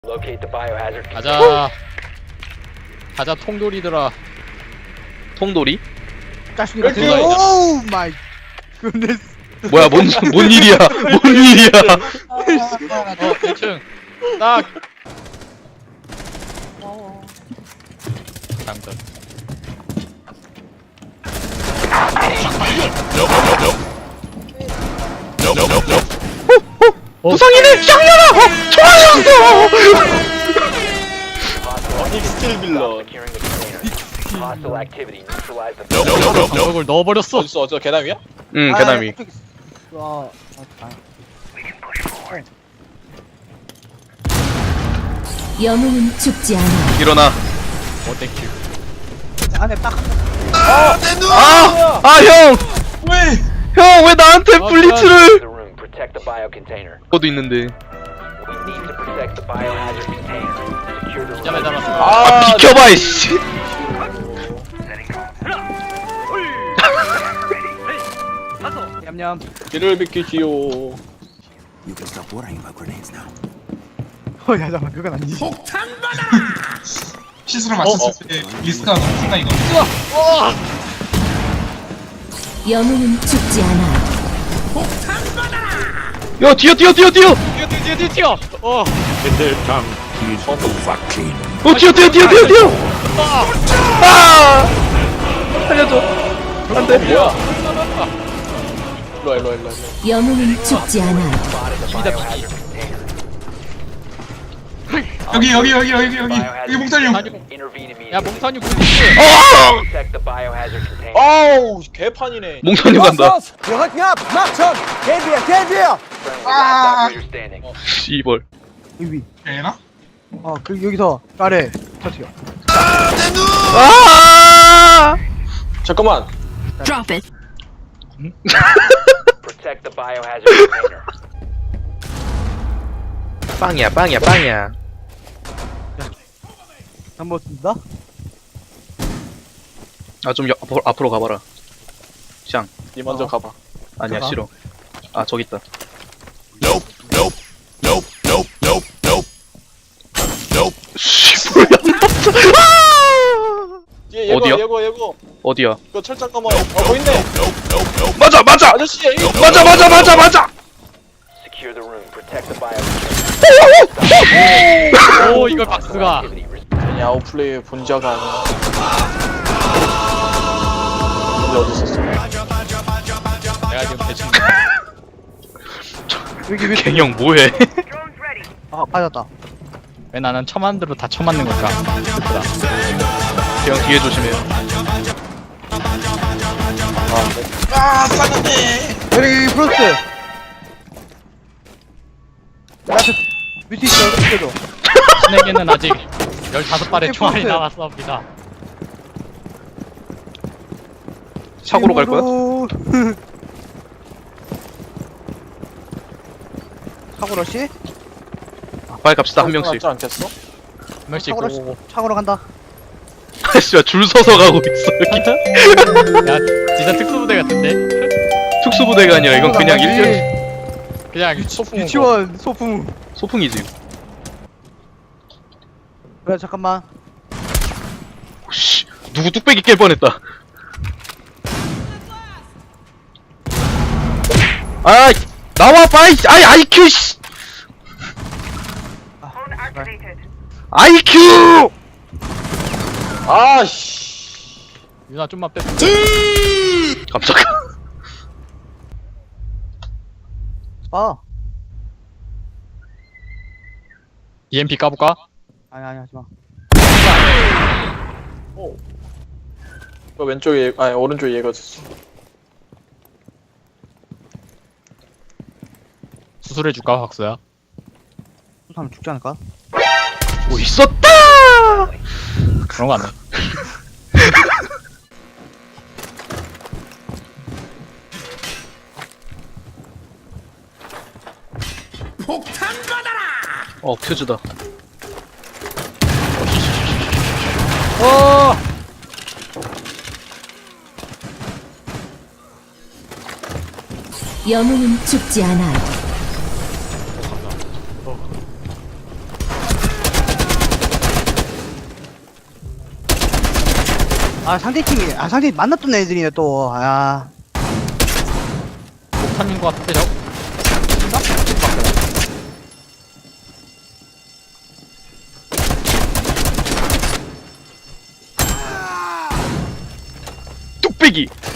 Locate the biohazard 가자. 가자 통돌이들아. 통돌이? 자식이 같은 오 오 마이 굿네스. 뭐야 뭔 일이야 뭔 일이야 어 대충 딱. 당근. 부상이네 샹년아 좋아요 닉스틸 빌런. securing the container. Hostile activity. Neutralize the 방석을 넣어버렸어. 어딨어? 저 계단 위야? 응 계단 위 영웅은 죽지 않아. 일어나 어택큐. 안에 딱 형! 형 왜 나한테 블리츠를 the room. Protect the bio container. 그것도 있는데 We need to protect the biohazard container. Secure the 잠에 room. 잡았어. 비켜봐 이씨 냠냠. 길을 비키시오. You can stop worrying about grenades now. 야 잠깐 그건 아니지. 시스를 맞췄을 때 리스크가 너무 큰다 이거. 영웅은 죽지 않아. 야 뛰어 뛰어. 어. 뛰어 아 살려줘 안돼 뭐야? 일로와. 영웅은 죽지 않아. Biohazard container. 여기 몽타니 형. Intervene immediately. 야 몽타뉴 굿즈. Protect the biohazard container. 아우 개판이네. 몽탄이 간다 Friendly, last operator standing. 씨벌 여기. 되나? 그 여기서 아래 터치요. 아 잠깐만. Drop it. Protect the biohazard container. 빵이야 한번 씁니다. 아 좀 앞으로 가봐라 샹 니 먼저 가봐. 아니야 가봐. 싫어 아 저기 있다 씨발 뒤에 예고 어디야? 예고. 어디야 이거 철장 까마. 보인네. 맞아 아저씨. 맞아 Secure the room. Protect the biohazard. 오 이걸 박스가. Activity. 괜히 아웃플레이의 본자가 아니야. 여기 어디 있었어? 내가 지금 대충. 여기 밑에. 갱형 뭐해 빠졌다. 왜 나는 처맞는 대로 다 처맞는 걸까? 슬프다. 갱형 뒤에 조심해요 아 쌌는데. 여기 프로스트. 앞에 밑에 있어. 밑에도. 신에게는 아직 15발의 이게 총알이 포스트. 남았습니다. 사고로 갈 거야? 사고로 씨? 빨리 갑시다 한 명씩 지 않겠어? 한 명씩 사고로 씨. 오고. 차고로 간다. 씨발 줄 서서 가고 있어 여기 야 진짜 특수부대 같은데? 특수부대가 아니라 이건 그냥 일련 그냥 소풍. 유치원 소품. 소풍이지 그래 잠깐만. 씨 누구 뚝배기 깰 뻔했다 아 나와 빨리 아이 IQ 씨 IQ 아씨. 유나 좀만 빼. 깜짝이야 EMP 까볼까? 아니 하지마. 그 왼쪽에 아니 오른쪽에 얘가 있었어. 수술해줄까 박수야? 하면 죽지 않을까? 뭐 있었다 그런 거 안 해. 퓨즈다 영웅은 죽지 않아. 아 상대팀이 상대 만났던 애들이네 또. 아 목탄인 것 같은데 저. 뚝배기